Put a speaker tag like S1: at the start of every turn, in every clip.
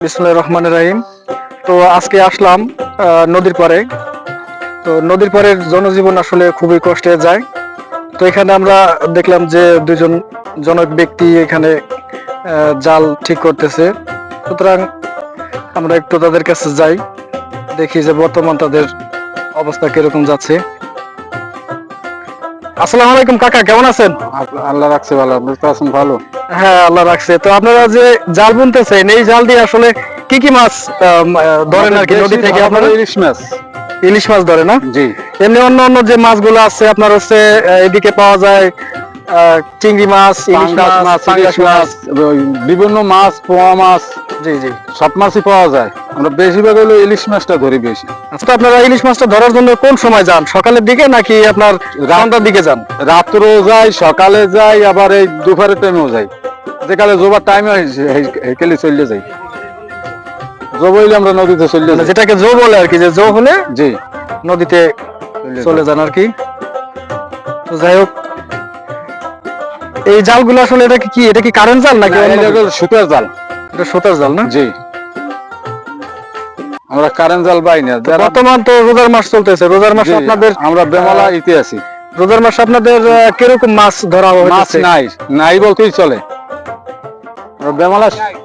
S1: বিসমিল্লাহির রহমানির রহিম। তো আজকে আসলাম নদীর পাড়ে। তো নদীর পাড়ের জনজীবন আসলে খুবই কষ্টে যায়। তো এখানে আমরা দেখলাম যে দুজন জনক ব্যক্তি এখানে জাল ঠিক করতেছে। সুতরাং আমরা একটু তাদের কাছে যাই, দেখি যে বর্তমান তাদের অবস্থা কিরকম যাচ্ছে। আসসালামু আলাইকুম কাকা, কেমন আছেন?
S2: আল্লাহ রাখছে ভালো, আপনি তো আছেন ভালো।
S1: হ্যাঁ, আল্লাহ রাখছে। তো আপনারা যে জাল বুনতেছেন, এই জাল দিয়ে আসলে কি কি মাছ ধরেন আর কি নদী থেকে? আপনারা
S2: ইলিশ মাছ।
S1: ইলিশ মাছ ধরে না?
S2: জি।
S1: এমনি অন্য অন্য যে মাছগুলো আছে আপনার হচ্ছে এদিকে পাওয়া যায় চিংড়ি মাছ, ইলিশ
S2: পাঙ্গাস
S1: মাছ,
S2: মাছ,
S1: পাঙ্গাস
S2: ইলিশ মাছ, ওই বিভিন্ন মাছ, পোয়া মাছ,
S1: জি জি।
S2: সব মাছই পাওয়া যায়। আমরা বেশিরভাগ হলো ইলিশ মাছটা ধরি বেশি।
S1: আচ্ছা, তো আপনারা ইলিশ মাছটা ধরার জন্য কোন সময় যান? সকালের দিকে নাকি আপনার সন্ধ্যার দিকে যান?
S2: রাত্রেও যাই, সকালে যাই, আবার এই দুপুরের টাইমেও যাই। যেকালে জোবার টাইমে হেকেলে চলে যাই। জব হইলে আমরা নদীতে চলে
S1: মানে
S2: যাই।
S1: যেটাকে জো বলে আর কি, যে জো হলে
S2: জি,
S1: নদীতে চলে যান আর কি। তো যাই হোক, এই জালগুলো আসলে এটা কি কারেন্ট জাল নাকি অন্য কিছু?
S2: সুতার জাল।
S1: এটা সুতার জাল না?
S2: জি, আমরা কারেন্ট জাল পাই না।
S1: তো বর্তমান তো রোজার মাস চলতেছে, রোজার মাসে
S2: জি,
S1: আপনাদের
S2: আমরা বেমালা ইতে আছি।
S1: রোজার মাসে আপনাদের কিরকম মাছ ধরা
S2: মাছ
S1: হচ্ছে?
S2: নাই, নাই বলতেই চলে। আমরা বেমালা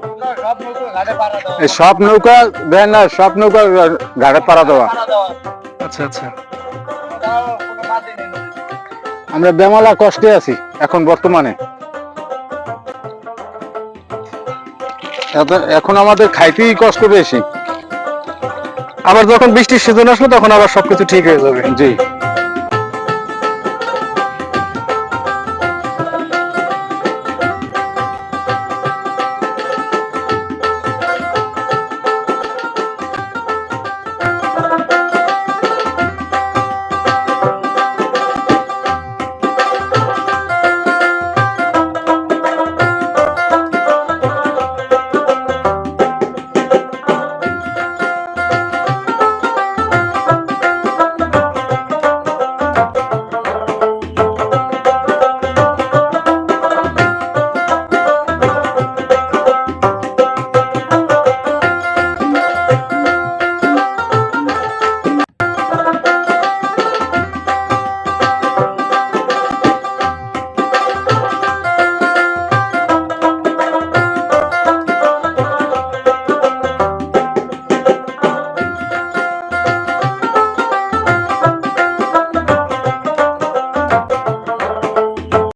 S2: এই সব নৌকা দেয় না, সব নৌকা ঘাটে পাড়া দেওয়া।
S1: আচ্ছা আচ্ছা।
S2: আমরা বেমালা কষ্টে আছি এখন বর্তমানে। এখন আমাদের খাইতেই কষ্ট বেশি।
S1: আবার যখন বৃষ্টির সিজন আসবে তখন আবার সবকিছু ঠিক হয়ে যাবে।
S2: জি।